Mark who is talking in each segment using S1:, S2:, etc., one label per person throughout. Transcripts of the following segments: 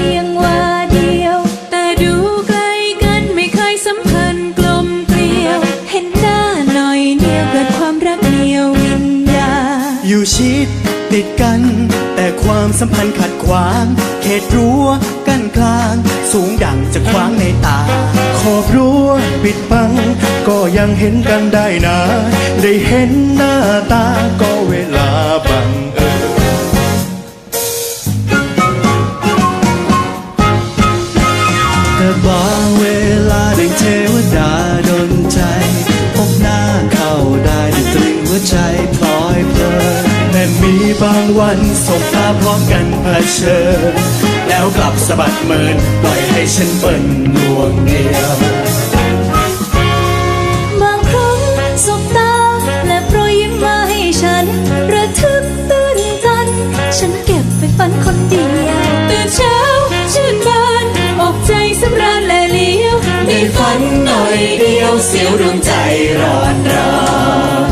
S1: ยงว่าเดียวแต่ดูไกลกันไม่เคยสัมพันธ์กลมเกลียวเห็นหน้าหน่อยเดียวเกิดความรักเหนียววิญญา
S2: อยู่ชิดติดกันแต่ความสัมพันธ์ขัดขวางเขตรั้วกั้นกลางสูงดังจะขวางในตาขอบรั้วปิดบังก็ยังเห็นกันได้นะได้เห็นหน้าตาก็เวลาบังเอิญแต่บางเวลาได้เทวดาดลใจพบหน้าเข้าได้ด้วยตรึงหัวใจพลอยเพลินแต่มีบางวันสบตาพร้อมกันเผชิญแล้วกลับสะบัดเมินปล่อยให้ฉันเปิ่นดวงเดียว
S1: บางครั้งสบตาและโปรยยิ้มมาให้ฉันระทึกตื่นตันฉันเก็บไปฝันคนเดียวตื่นเช้าชื่นบานอกใจสำราญและเลี้ยว
S2: ได้ฝันหน่อยเดียวเสียวดวงใจร้อนราน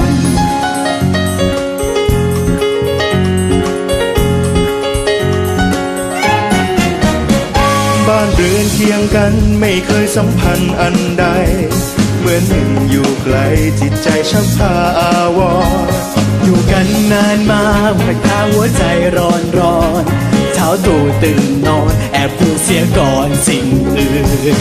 S2: บ้านเรือนเคียงกันไม่เคยสัมพันธ์อันใดเหมือนหนึ่งอยู่ไกลจิตใจช่างพาอาวรอยู่กันนานมาหัวตาหัวใจร้อนเช้าตรู่ตื่นนอนแอบพูดเสียก่อนสิ่งอื่น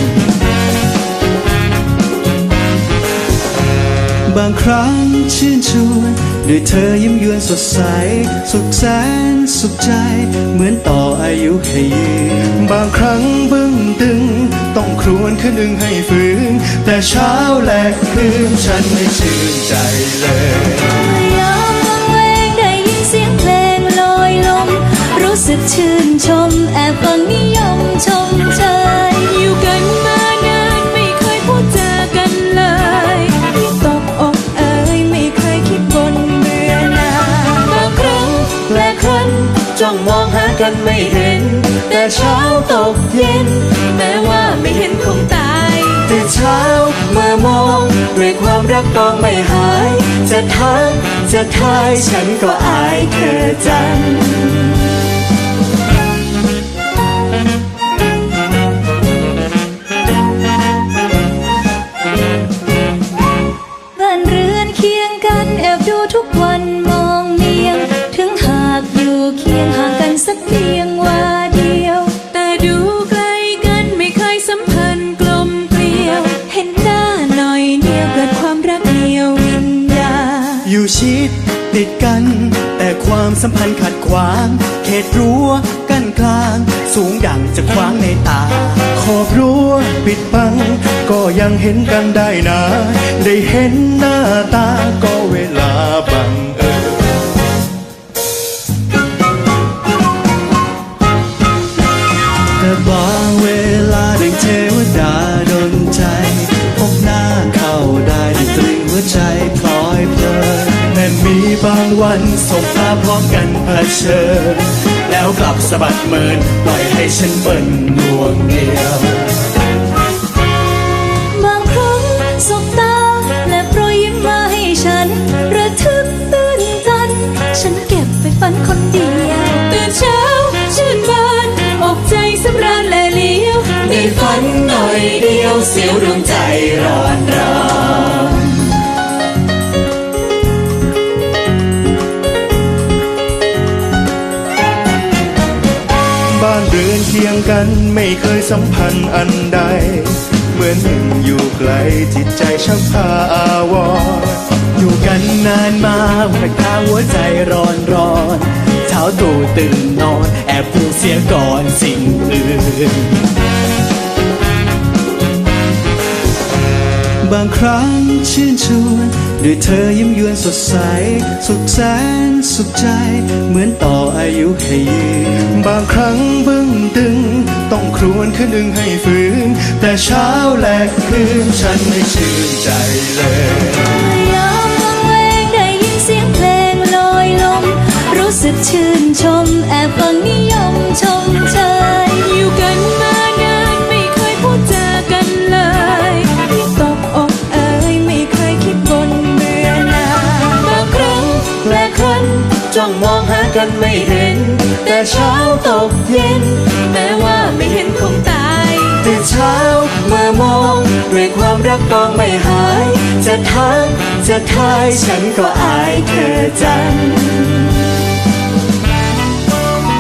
S2: บางครั้งชื่นชวนด้วยเธอยิ้มยวนสดใสสุขแสนสุขใจเหมือนต่ออายุให้ยืนบางครั้งบึ้งตึงต้องครวญคืนหนึ่งให้ฟื้นแต่เช้าและคืนฉันไม่ชื่นใจเลย
S1: ยามวังเวงได้ยินเสียงเพลงลอยลมรู้สึกชื่นชมแอบฟังนิยมชมเชยอยู่กันมานานไม่เคยพูดจากันเลยที่ตกอกเอ่ยไม่เคยคิดบนเบื่อหน่ายบางครั้งและครั้น
S2: จ้องมองหากันไม่เห็นแต่เช้าตกเย็น
S1: แม้ว่าไม่เห็นคงตาย
S2: ตื่นเช้าเมื่อมองด้วยความรักต้องไม่หายจะทักจะทายฉันก็อายเธอจัง
S1: บ้านเรือนเคียงกันแอบดูทุกวันมองเนียงถึงหากอยู่เคียงห่างกันสักเพียงว่าเดียวแต่ดูไกลกันไม่เคยสัมพันธ์กลมเกลียวเห็นหน้าหน่อยเดียวเกิดความรักเหนียววิญญา
S2: อยู่ชิดติดกันแต่ความสัมพันธ์ขัดขวางเขตรั้วกั้นกลางสูงดังจะขวางในตาขอบรั้วปิดบังก็ยังเห็นกันได้นะได้เห็นหน้าตาก็เวลาบังเอิญแต่บางเวลาได้เทวดาดลใจพบหน้าเข้าได้ด้วยตรึงหัวใจพลอยเพลินแต่มีบางวันสบตาพร้อมกันเผชิญแล้วกลับสะบัดเมินปล่อยให้ฉันเปิ่นดวงเดียว
S1: บางครั้งสบตาและโปรยยิ้มมาให้ฉันระทึกตื่นตันฉันเก็บไปฝันคนเดียวตื่นเช้าชื่นบานอกใจสำราญและเลี้ยว
S2: ได้ฝันหน่อยเดียวเสียวดวงใจร้อนรานบ้านเรือนเคียงกันไม่เคยสัมพันธ์อันใดเหมือนหนึ่งอยู่ไกลจิตใจช่างพาอาวรอยู่กันนานมาหัวตาหัวใจร้อนเช้าตรู่ตื่นนอนแอบพูดเสียก่อนสิ่งอื่นบางครั้งชื่นชวนด้วยเธอยิ้มยวนสดใสสุขแสนสุขใจเหมือนต่ออายุให้ยืนบางครั้งบึ้งตึงต้องครวญคืนหนึ่งให้ฟื้นแต่เช้าและคืนฉันไม่ชื่นใจเลย
S1: ยามวังเวงได้ยินเสียงเพลงลอยลมรู้สึกชื่นชมแอบฟังนิยมชมเชยอยู่กันมานานไม่เคยพูดจากันเลยที่ตกอกเอ่ยไม่เคยคิดบนเบื่อหน่ายบางครั้งและครั้น
S2: จ้องมองหากันไม่เห็นแต่เช้าตกเย็นแม้ว่าไม่
S1: ไม่เห็นคงตาย
S2: ตื่นเช้ามามองด้วยความรักก็ไม่หาย จะทักจะทายฉันก็อายเธอจัง